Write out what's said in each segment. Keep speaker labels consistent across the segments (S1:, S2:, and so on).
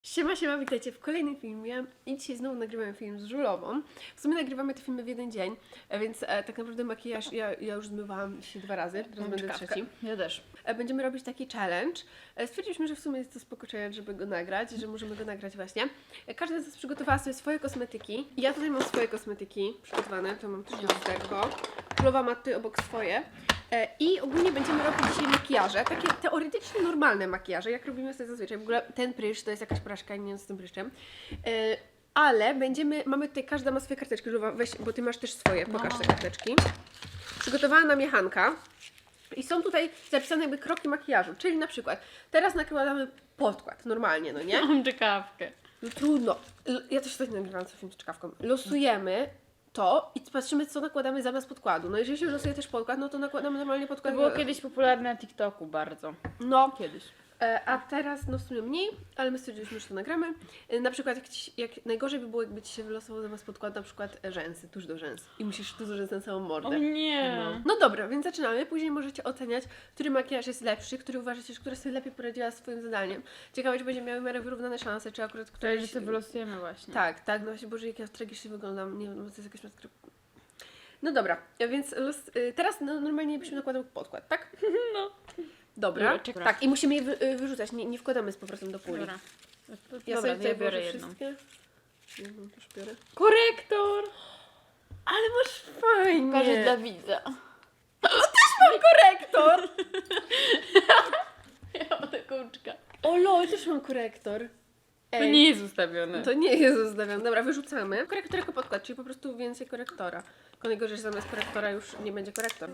S1: Siema, witajcie w kolejnym filmie i dzisiaj znowu nagrywamy film z Żulową. W sumie nagrywamy te filmy w jeden dzień, więc tak naprawdę makijaż ja już zmywałam się 2 razy, teraz będę trzeci.
S2: Ja też.
S1: Będziemy robić taki challenge. Stwierdziliśmy, że w sumie jest to spoko challenge, żeby go nagrać, że możemy go nagrać właśnie. Każda z nas przygotowała sobie swoje kosmetyki. Ja tutaj mam swoje kosmetyki przygotowane, to mam też lusterko. Żulowa ma tutaj obok swoje. I ogólnie będziemy robić dzisiaj makijaże, takie teoretycznie normalne makijaże, jak robimy sobie zazwyczaj. W ogóle ten pryszcz to jest jakaś porażka, nie wiem z tym pryszczem. Ale mamy tutaj, każda ma swoje karteczki, Żulowa, weź, bo ty masz też swoje, pokaż te karteczki. Przygotowała nam je Hanka. I są tutaj zapisane jakby kroki makijażu, czyli na przykład teraz nakładamy podkład, normalnie, no nie?
S2: Mam czekawkę.
S1: No trudno. Ja też tutaj nagrywam co film z czkawką. Losujemy to i patrzymy, co nakładamy zamiast podkładu. No jeżeli się losuje też podkład, no to nakładamy normalnie
S2: To
S1: podkład.
S2: było kiedyś popularne na TikToku bardzo.
S1: No,
S2: Kiedyś.
S1: a teraz no w sumie mniej, ale my stwierdziliśmy, że to nagramy. Na przykład jak najgorzej by było, jakby Ci się wylosował zamiast podkładu na przykład rzęsy, tuż do rzęs. I musisz tuż do rzęs na całą mordę.
S2: O nie.
S1: No dobra, więc zaczynamy. Później możecie oceniać, który makijaż jest lepszy, który uważacie, że która sobie lepiej poradziła z swoim zadaniem. Ciekawe, czy będzie miały w miarę wyrównane szanse, czy akurat
S2: To
S1: któraś...
S2: jest, że to wylosujemy właśnie.
S1: Tak, no właśnie, Boże, jak ja tragicznie wyglądam. Nie wiem, to jest jakaś maskara. No dobra, więc teraz normalnie byśmy nakładał podkład, tak?
S2: No.
S1: Dobra.
S2: Dobra, czekaj.
S1: Tak, i musimy je wyrzucać, nie wkładamy z powrotem do puli.
S2: Dobra.
S1: Ja
S2: Dobra,
S1: sobie tutaj
S2: biorę
S1: biorę
S2: jedną.
S1: wszystkie. Jedną też biorę.
S2: Korektor!
S1: Ale masz fajnie!
S2: Pokażę dla widza.
S1: Mam korektor!
S2: Ja mam taką czkawkę.
S1: O lol, też mam korektor.
S2: To nie jest ustawione.
S1: To nie jest ustawione. Dobra, wyrzucamy. Korektor jako podkład, czyli po prostu więcej korektora. Tylko najgorzej, że zamiast korektora już nie będzie korektor.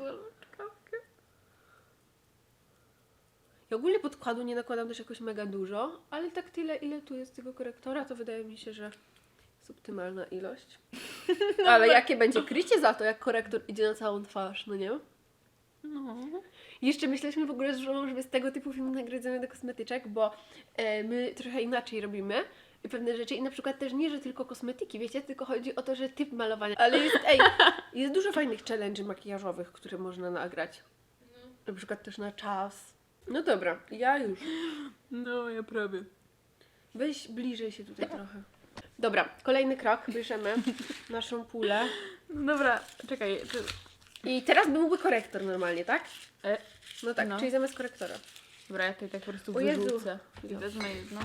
S1: Ja ogólnie podkładu nie nakładam też jakoś mega dużo, ale tak tyle, ile tu jest tego korektora, to wydaje mi się, że jest optymalna ilość. Ale jakie będzie krycie za to, jak korektor idzie na całą twarz, no nie?
S2: No.
S1: Jeszcze myśleliśmy w ogóle z żoną, żeby z tego typu film nagrać do kosmetyczek, bo my trochę inaczej robimy pewne rzeczy i na przykład też nie, że tylko kosmetyki, wiecie, tylko chodzi o to, że typ malowania. Ale jest dużo fajnych challenge'y makijażowych, które można nagrać. Na przykład też na czas. No dobra, ja już.
S2: No, ja prawie.
S1: Weź bliżej się tutaj trochę. Dobra, kolejny krok. Bierzemy naszą pulę.
S2: Dobra, czekaj.
S1: I teraz byłby korektor normalnie, tak?
S2: E,
S1: No tak,
S2: no.
S1: czyli zamiast korektora.
S2: Dobra, ja tutaj tak po prostu
S1: O Jezu.
S2: wyrzucę. I wezmę jedną.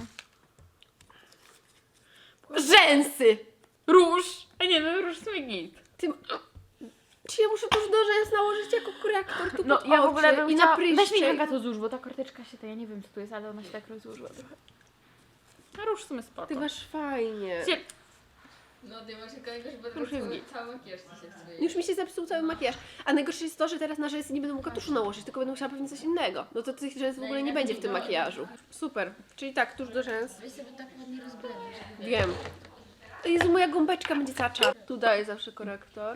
S1: Rzęsy!
S2: Róż! A nie, no róż to git.
S1: Czy ja muszę tuż do rzęs nałożyć jako korektor tu
S2: No
S1: pod
S2: ja w ogóle
S1: oczy
S2: bym
S1: i
S2: chciała...
S1: na
S2: Weź mi
S1: pryszcze.
S2: Hanka to złóż, bo ta karteczka się to ja nie wiem co to jest, ale ona się tak rozłożyła trochę. A róż w sumie spoko.
S1: Ty masz fajnie.
S3: No ty masz jakiegoś, bo
S2: Już jest git.
S3: cały makijaż ci się psuje.
S1: Już mi się zepsuł cały makijaż. A najgorsze jest to, że teraz na rzęsy nie będę mogła tuszu nałożyć, tylko będę musiała pewnie coś innego. No to tych rzęs w ogóle nie będzie w tym makijażu. Super. Czyli tak, tuż do rzęs.
S3: Weź sobie tak ładnie rozblendzić, żeby
S1: Wiem. Jezu, moja gąbeczka będzie cała czarna. Tu daję zawsze korektor.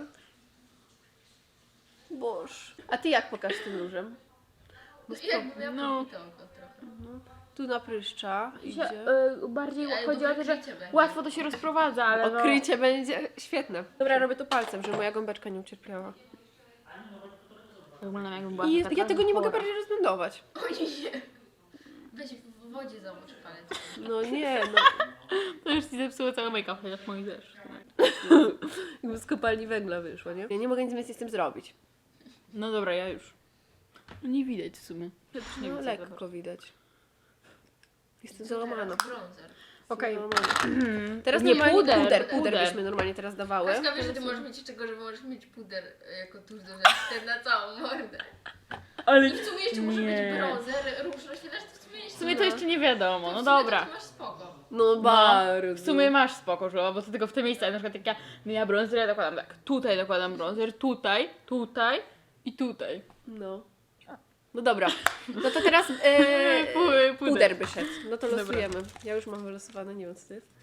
S1: Boż. A ty jak pokaż tym różem?
S3: jakby miał
S2: No.
S3: podbitą go trochę.
S1: Tu na pryszcza idzie.
S2: Bardziej
S3: Ale
S2: chodzi o to,
S3: dobre
S2: że
S3: krycie będzie.
S2: łatwo to się rozprowadza, ale no...
S1: Okrycie będzie świetne. Dobra, robię to palcem, żeby moja gąbeczka nie ucierpiała.
S2: Wyglądam jakby była
S1: I
S2: taka
S1: ja tego nie mogę
S2: chora.
S1: bardziej rozblendować.
S3: Oj nie. Weź w wodzie zamocz palec.
S1: No nie, no.
S2: To już ci zepsuło cały make-up, chociaż mój też.
S1: Jakby z kopalni węgla wyszło, nie? Ja nie mogę nic więcej z tym zrobić.
S2: No dobra, ja już. No nie widać w sumie. Ja też nie
S1: No
S2: widzę, zobacz.
S1: lekko widać. Jestem załamana.
S3: Bronzer.
S2: Okej.
S1: Teraz
S2: Nie,
S1: normalnie
S2: puder.
S1: puder byśmy normalnie teraz dawały.
S3: Kaśka, wiesz, że ty możesz mieć jeszcze gorzej, bo możesz mieć puder jako tuż do rzęs, ten na całą mordę.
S2: Ale
S3: I w sumie jeszcze może
S2: nie.
S3: być bronzer, róż rozświetlacz, to w sumie jeszcze...
S2: w sumie to jeszcze nie wiadomo, no
S3: w sumie
S2: dobra.
S3: taki masz spoko.
S1: No
S2: No,
S1: bardzo.
S2: w sumie masz spoko, Żula, bo to tylko w te miejsca, na przykład jak ja bronzer, ja dokładam tak, tutaj dokładam bronzer, tutaj, tutaj i tutaj.
S1: No. No dobra. No to teraz puder by szedł. No to
S2: Dobra.
S1: losujemy. Ja już mam wylosowane, nie wiem co to jest.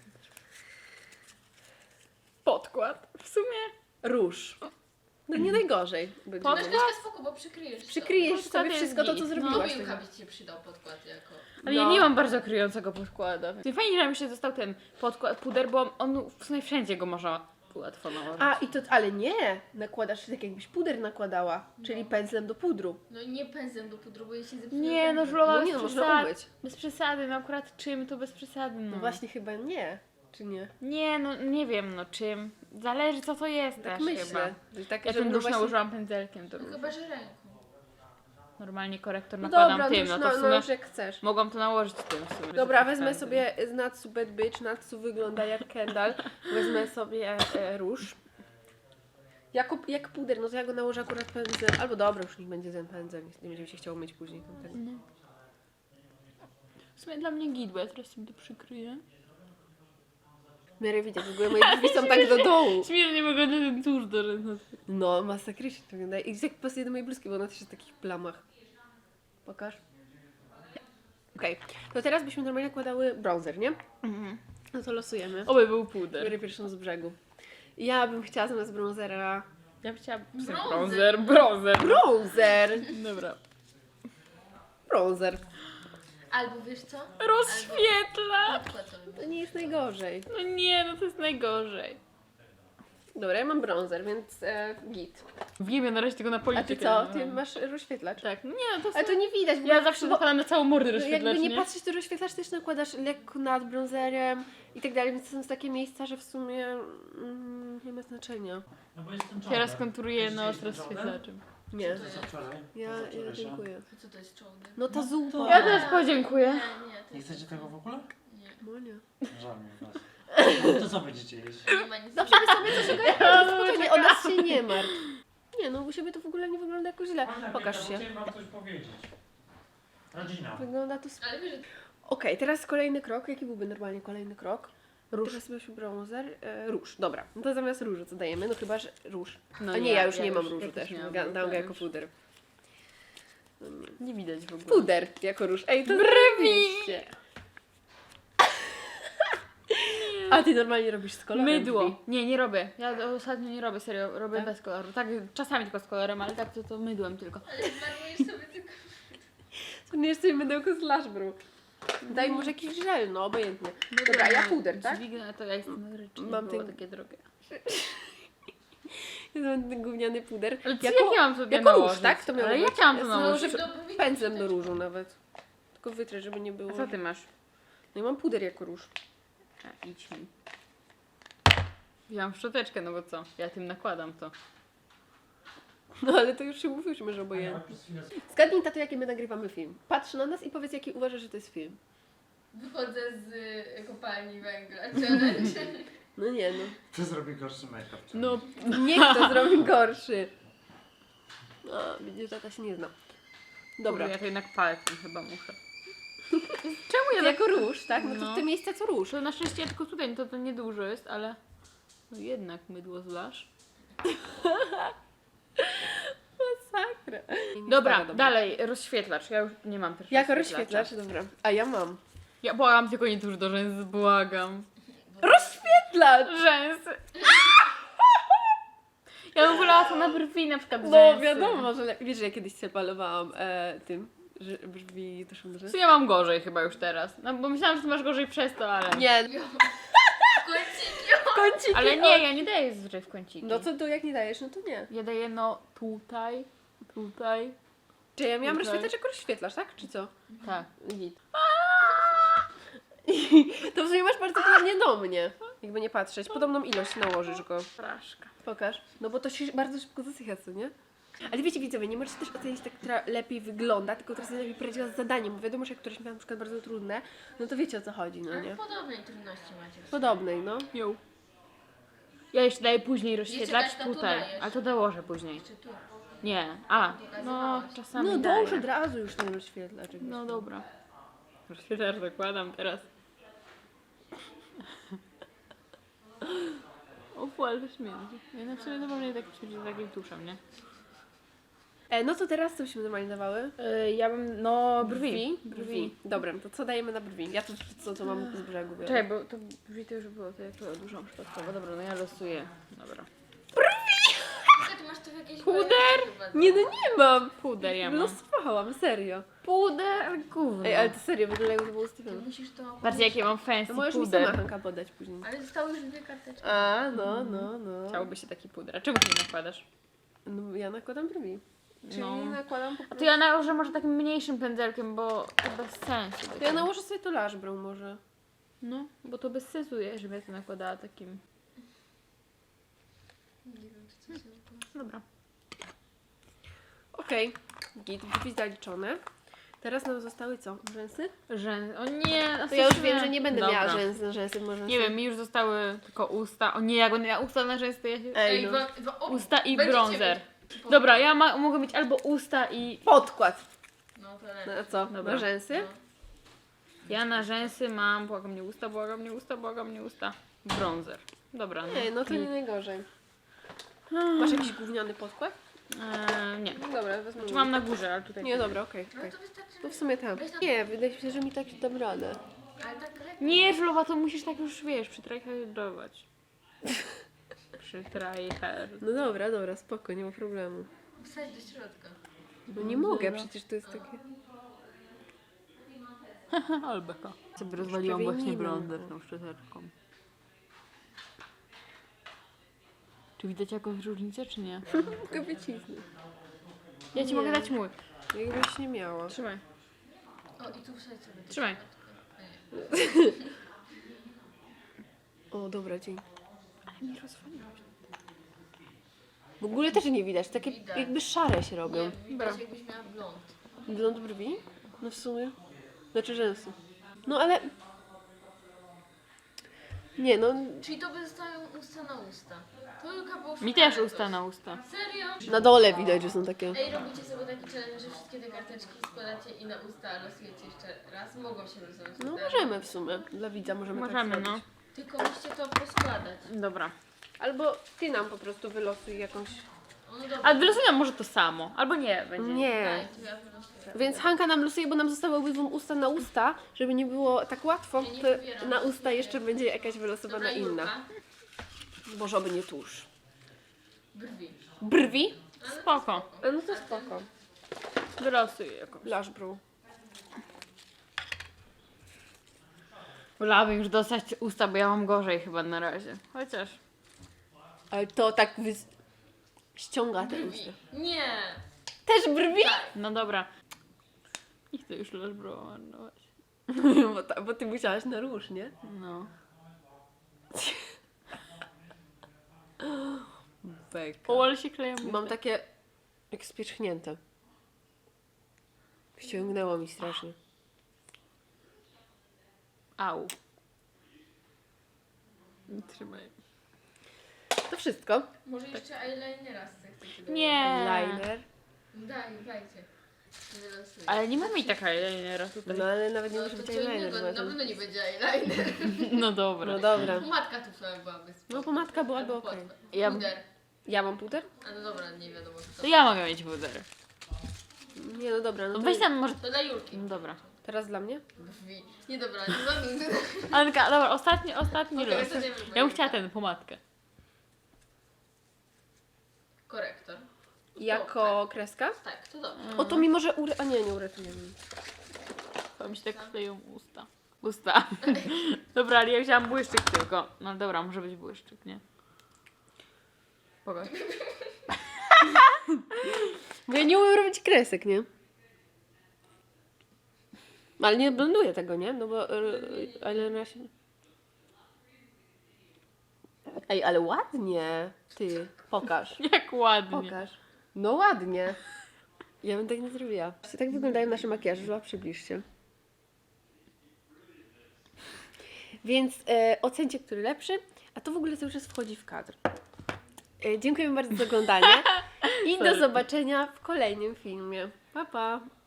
S2: Podkład. W sumie.
S1: Róż. No nie najgorzej. Będzie.
S3: Masz Kaśka spoko, bo przykryjesz
S1: Przykryjesz
S2: Podkład
S1: sobie
S2: jest
S1: wszystko to, co
S2: git. No.
S1: zrobiłaś.
S3: Mobilka
S1: tego.
S3: by ci się przydał podkład jako...
S2: Ale
S1: No.
S2: ja nie mam bardzo kryjącego podkładu. Fajnie, że mi się został ten podkład, puder, bo on w sumie wszędzie go można Łatwo nałożyć.
S1: A, i to, ale nie! Nakładasz tak jakbyś puder nakładała, czyli pędzlem do pudru.
S3: No nie pędzlem do pudru, bo ja się zepsuję.
S2: Nie, no
S3: pędzlem.
S2: żulowa
S1: No
S2: bez
S1: nie, no można
S2: przesady.
S1: umyć.
S2: Bez przesady, no akurat czym to bez przesady, no.
S1: No właśnie chyba nie, czy nie?
S2: Nie, no nie wiem, no czym. Zależy co to jest
S1: Tak
S2: też
S1: myślę.
S2: chyba.
S1: Że tak,
S2: Ja
S1: żeby
S2: ten
S1: no
S2: róż
S1: właśnie-
S2: nałożyłam pędzelkiem, to
S3: No
S2: róż.
S3: chyba, że ręką.
S2: Normalnie korektor
S1: No
S2: nakładam
S1: dobra,
S2: tym,
S1: już,
S2: no to w
S1: no
S2: sumie
S1: już jak chcesz.
S2: mogłam to nałożyć tym w sumie.
S1: Dobra,
S2: że
S1: wezmę
S2: przesady.
S1: sobie z Natsu Bad Bitch. Natsu wygląda jak Kendall. Wezmę sobie róż. Jak puder, no to ja go nałożę akurat pędzlem. Albo dobra, już niech będzie ten pędzel. Nie będzie mi się chciało myć później. Tamtego.
S2: No. W sumie dla mnie git, bo ja teraz sobie to przykryję.
S1: W miarę widać, w ogóle moje drzwi są tak do dołu.
S2: Śmiesznie wygląda ten tusz do ręki.
S1: No, masakrycznie to wygląda. I tak pasuje do mojej bluzki, bo ona też jest w takich plamach. Pokaż. Okej, to teraz byśmy normalnie nakładały bronzer, nie?
S2: Mhm.
S1: No to losujemy.
S2: Oby był puder.
S1: Biorę pierwszą z brzegu. Ja bym chciała zamiast bronzera...
S2: Ja bym chciała
S3: Bronzer.
S2: bronzer.
S1: Bronzer!
S2: Dobra.
S1: Bronzer.
S3: Albo wiesz co?
S2: Rozświetla!
S3: Podkład sobie.
S1: To nie jest najgorzej.
S2: No nie, no to jest najgorzej.
S1: Dobra, ja mam bronzer, więc git.
S2: Wiem, ja na razie tego na
S1: A
S2: politykę.
S1: ty co?
S2: no.
S1: Ty masz rozświetlacz?
S2: Tak, no nie, no to
S1: Ale to nie widać, bo
S2: ja zawsze
S1: bo,
S2: nakładam na całą mordę
S1: no,
S2: rozświetlacz,
S1: jakby nie
S2: nie?
S1: patrzeć, to rozświetlacz też nakładasz lekko nad bronzerem i tak dalej, więc to są takie miejsca, że w sumie nie ma znaczenia.
S4: No bo jestem
S2: Ja rozkonturuję nos rozświetlaczem.
S1: Nie.
S3: To jest.
S4: Wczoraj.
S1: Ja dziękuję.
S3: To co to jest czołg?
S1: No ta zupa.
S4: to-
S2: Ja też podziękuję.
S3: Nie, to
S4: Nie
S3: jest...
S4: chcecie tego w ogóle?
S3: Nie.
S1: No nie.
S4: Żal mi was. No to co będziecie jeść?
S3: Nie ma nic.
S1: Dobrze, my sobie coś ogarniamy, spokojnie, o nas się nie martw. Nie no, u siebie to w ogóle nie wygląda jakoś źle. Pokaż się.
S4: Chciałem wam coś powiedzieć. Rodzina.
S1: Wygląda to...
S3: Ale wiesz, że
S1: Okej, teraz kolejny krok. Jaki byłby normalnie kolejny krok? Róż. Teraz byśmy bronzer. Róż, dobra. No to zamiast różu co dajemy? No chyba, że róż.
S2: No
S1: A nie, ja już nie mam
S2: ja
S1: różu
S2: też
S1: też.
S2: nie mam
S1: Dam
S2: różu,
S1: go jako
S2: już.
S1: puder.
S2: Nie widać w ogóle.
S1: Puder jako róż. Ej, to
S2: Brwi!
S1: zrobiliście. A ty normalnie robisz z kolorem
S2: Mydło.
S1: brwi.
S2: Nie, nie robię. Ja ostatnio nie robię, serio. Robię
S1: Tak?
S2: bez koloru. Tak, czasami tylko z kolorem, ale tak to mydłem tylko.
S3: ale zmarnujesz sobie tylko...
S1: Nie sobie mydełko z Lashbrew. Daj może jakiś żel, no obojętnie. Dobra, a ja puder, tak?
S2: Dźwignę, to ja jestem ryczny,
S1: Mam
S2: mam
S1: ten-
S2: takie drogie.
S1: Ja mam ten gówniany puder.
S2: Ale co, jak ja mam sobie
S1: jako róż,
S2: nałożyć?
S1: tak? To miało
S2: Ale
S1: być.
S2: jak ja mam to
S1: Ja
S2: nałożyć?
S1: nałożę pędzlem do różu nawet. Tylko wytrę, żeby nie było.
S2: A co ty masz?
S1: No i mam puder jako róż.
S2: A, idź mi. Wziąłam szczoteczkę, no bo co? Ja tym nakładam to.
S1: No ale to już się mówiliśmy, że obojętnie. Zgadnij, tato, jaki my nagrywamy film. Patrz na nas i powiedz, jaki uważasz, że to jest film.
S3: Wychodzę z kopalni węgla. Challenge.
S1: No nie no.
S4: Kto zrobi gorszy make-up?
S2: No,
S1: Niech to zrobi gorszy. No, widzisz, tata się nie zna. Dobra.
S2: ja to jednak palcem chyba muszę. Czemu ja
S1: To
S2: tak...
S1: jako róż, tak? No to
S2: No.
S1: w te miejsca co róż.
S2: To na szczęście tylko tutaj, no to niedużo jest, ale... No jednak mydło zlasz.
S1: Masakra.
S2: Dobra, dalej, rozświetlacz. Ja już nie mam też
S1: Jako
S2: rozświetlacza.
S1: rozświetlacz, dobra. A ja mam.
S2: Ja błagam, tylko nie tuż do rzęs, błagam.
S1: Rozświetlacz!
S2: Rzęsy. Ja bym wolała to na brwi, na przykład
S1: No
S2: rzęsy.
S1: wiadomo, że wiesz, że ja kiedyś się malowałam tym, że brzmi to są
S2: Co ja mam gorzej chyba już teraz. No bo myślałam, że ty masz gorzej przez to, ale...
S1: Nie,
S3: Kąciki.
S1: kąciki.
S2: Ale nie, ja nie daję zazwyczaj w kąciki.
S1: No co tu jak nie dajesz, no to nie.
S2: Ja daję no tutaj, tutaj,
S1: Czy ja miałam
S2: Tutaj.
S1: rozświetlacz jako rozświetlacz, tak? Czy co?
S2: tak.
S1: Git. To w sumie masz bardzo podobnie do mnie. Jakby nie patrzeć. Podobną ilość nałożysz go.
S2: Fraszka.
S1: Pokaż. No bo to się bardzo szybko zasycha, co nie? Ale wiecie widzowie, nie możecie też ocenić tak, która lepiej wygląda, tylko która sobie lepiej poradziła z zadaniem. Bo wiadomo, że jak któreś miała na przykład bardzo trudne, no to wiecie o co chodzi, no
S3: Ale
S1: nie?
S3: podobnej trudności macie.
S1: Podobnej, no.
S2: Jo. Ja jeszcze daję później rozświetlacz
S3: Jeszcze tak to
S2: tutaj,
S3: dajesz.
S2: ale to dołożę później.
S3: Jeszcze tu.
S2: Nie, a, no czasami
S1: No
S2: daję.
S1: dąż od razu już ten rozświetlacz.
S2: No dobra. Rozświetlacz zakładam teraz. O, ale to śmierdzi. Ja na sobie normalnie tak śmierdzi z takim tuszem, nie?
S1: No to teraz co byśmy normalnie dawały?
S2: Ja bym, no brwi.
S1: Dobra, to co dajemy na brwi? Ja to co mam z brzegu biorę.
S2: Czekaj, bo to brwi to już było, to ja to dużą przypadkowo. Dobra, no ja losuję. Dobra.
S3: Ty masz to w jakiejś
S2: Puder?
S3: kolejności chyba,
S1: Nie, no nie mam.
S2: Puder ja mam.
S1: Losowałam, serio.
S2: Puder, gówno.
S1: Ej, ale to serio, wygląda jakby to było ustawione.
S3: Musisz to...
S2: Patrzcie, jakie mam fancy
S1: To możesz mi
S2: puder.
S1: sama Hanka podać później.
S3: Ale zostały już 2 karteczki.
S1: A, no.
S2: Chciałoby się taki puder. A czemu ty nie nakładasz?
S1: No ja nakładam brwi. Czyli
S2: No.
S1: nakładam po
S2: A
S1: prostu...
S2: to ja nałożę może takim mniejszym pędzelkiem, bo to bez sensu.
S1: To ja nałożę sobie to lash brow może.
S2: No, bo to bez sensu, żebym ja to nakładała takim.
S3: Nie wiem, czy coś się
S2: Dobra.
S1: Okej, git, brwi zaliczone. Teraz nam zostały co? Rzęsy?
S2: Rzęsy. O nie,
S1: To ja już wiem, że nie będę
S2: Dobra.
S1: miała rzęsy, może.
S2: Nie wiem, mi już zostały tylko usta. O nie, jak będę miała usta na rzęsy, to ja się...
S1: Ej, no.
S2: Usta i
S3: Będziecie
S2: bronzer.
S3: mieć-
S2: Dobra, ja mogę mieć albo usta i...
S1: Podkład.
S3: No to lepiej.
S1: Na co?
S2: Dobra.
S1: Na rzęsy?
S3: No.
S2: Ja na rzęsy mam, błagam mnie usta, błagam mnie usta, błagam mnie usta. Bronzer. Dobra,
S1: Nie, no to nie najgorzej. Masz jakiś gówniany podkład?
S2: Nie.
S1: No dobra, wezmę.
S2: Czy mam na górze, ale tutaj...
S1: Nie, dobra, okej.
S3: No
S1: okej.
S3: to wystarczy.
S1: No w sumie tam. Nie, wydaje mi się, że mi tak dam radę.
S3: Ale tak lepiej.
S2: Nie, Żulowa, to musisz tak już, wiesz, przytryhardować. Przytryhard.
S1: No dobra, spoko, nie ma problemu.
S3: Wsadź do środka.
S1: No nie mogę, przecież to jest takie...
S2: Albeka. Sobie rozwaliłam
S1: prawie
S2: właśnie
S1: nie mam.
S2: bronzer tą szczoteczką. Czy widać jakąś różnicę, czy nie?
S1: Mogę wycisnąć.
S2: Ja ci
S1: Nie.
S2: mogę dać mój.
S1: Jakbyś nie miała.
S2: Trzymaj.
S3: O, i tu wsadź sobie. do
S2: Trzymaj.
S3: środka. A nie.
S1: O, dobra, dzięki.
S2: Ale mi rozwaliłaś.
S1: W ogóle też nie widać, takie
S3: Widać.
S1: jakby szare się robią.
S3: Nie, widać jakbyś miała blond.
S1: Blond brwi? No w sumie. Znaczy rzęsy. No ale... Nie, no...
S3: Czyli to by zostają usta na usta. To Julka było
S2: Mi
S3: szukane
S2: też
S3: coś.
S2: usta na usta.
S3: Serio?
S1: Na dole widać, że są takie...
S3: Ej, robicie sobie taki challenge, że wszystkie te karteczki składacie i na usta losujecie jeszcze raz. Mogą się losować.
S1: No
S3: usta.
S1: możemy w sumie. Dla widza możemy tak
S2: Możemy,
S1: zrobić.
S2: no.
S3: Tylko musicie to poskładać.
S2: Dobra.
S1: Albo ty nam po prostu wylosuj jakąś...
S3: O, no dobra.
S2: A wylosuj nam może to samo. Albo nie, będzie.
S1: Nie.
S3: Daj, to ja wylosuję.
S1: Więc Hanka nam losuje, bo nam zostały obydwu usta na usta, żeby nie było tak łatwo,
S3: Ja nie
S1: to
S3: wybieram.
S1: na usta jeszcze będzie jakaś wylosowana
S3: Dobra,
S1: inna.
S3: Julka.
S1: Boże, oby nie tusz.
S3: Brwi.
S1: Brwi?
S3: Ale
S2: Spoko.
S1: No to spoko.
S2: Wylosuj jakąś.
S1: Lash brow.
S2: Wolałabym już dostać usta, bo ja mam gorzej chyba na razie. Chociaż.
S1: Ale to tak ściąga te
S3: Brwi.
S1: usta.
S3: Nie.
S1: Też brwi?
S2: No dobra. Nie chcę już lash brow marnować.
S1: Bo ty musiałaś na róż, nie?
S2: No.
S1: Beka.
S2: O, ale się kleją.
S1: Mam takie jak spierzchnięte. Ściągnęło mi strasznie.
S2: Au. Trzymaj.
S1: To wszystko.
S3: Może jeszcze eyelinera chcecie dać.
S2: Nie.
S1: Liner.
S3: Dajcie. Wylosuję.
S2: Ale nie mamy i taka eyelinera tutaj.
S1: No ale nawet nie
S3: No
S1: musi
S3: to
S1: być
S3: co
S1: eyeliner.
S3: innego,
S1: bo
S3: na
S1: to-
S3: pewno nie będzie eyeliner.
S2: No dobra.
S1: No dobra.
S3: Pomadka tu sobie byłaby spoko.
S1: No pomadka byłaby
S3: Albo
S1: okej.
S3: podkład.
S2: Ja-
S3: Puder.
S1: Ja mam puder?
S3: A no dobra, nie wiadomo co
S2: To ja mogę mieć puder.
S1: Nie, no dobra. No
S2: No
S1: to
S2: weź tam może...
S3: To dla Julki.
S2: No dobra.
S1: Teraz dla mnie?
S3: Brwi. Nie dobra, nie za nigdy.
S2: Anka, dobra, ostatni
S3: Okej,
S2: los.
S3: to nie wiem,
S2: Ja bym chciała ten, pomadkę.
S3: Korektor.
S1: Jako kreska?
S3: Tak, to dobrze.
S1: O, to mi może A nie uratujemy.
S2: To mi się tak kleją usta. Usta. Dobra, ale ja wzięłam błyszczyk tylko. No dobra, może być błyszczyk, nie? Pokaż.
S1: Bo ja nie umiem robić kresek, nie? Ale nie blenduję tego, nie? No bo eyeliner się... Ej, ale ładnie. Ty, pokaż.
S2: Jak ładnie.
S1: Pokaż. No ładnie. Ja bym tak nie zrobiła. Tak wyglądają nasze makijaże, żeby przybliżcie. Więc ocencie, który lepszy, a to w ogóle cały czas wchodzi w kadr. Dziękujemy bardzo za oglądanie i do
S2: Sorry.
S1: zobaczenia w kolejnym filmie. Pa, pa!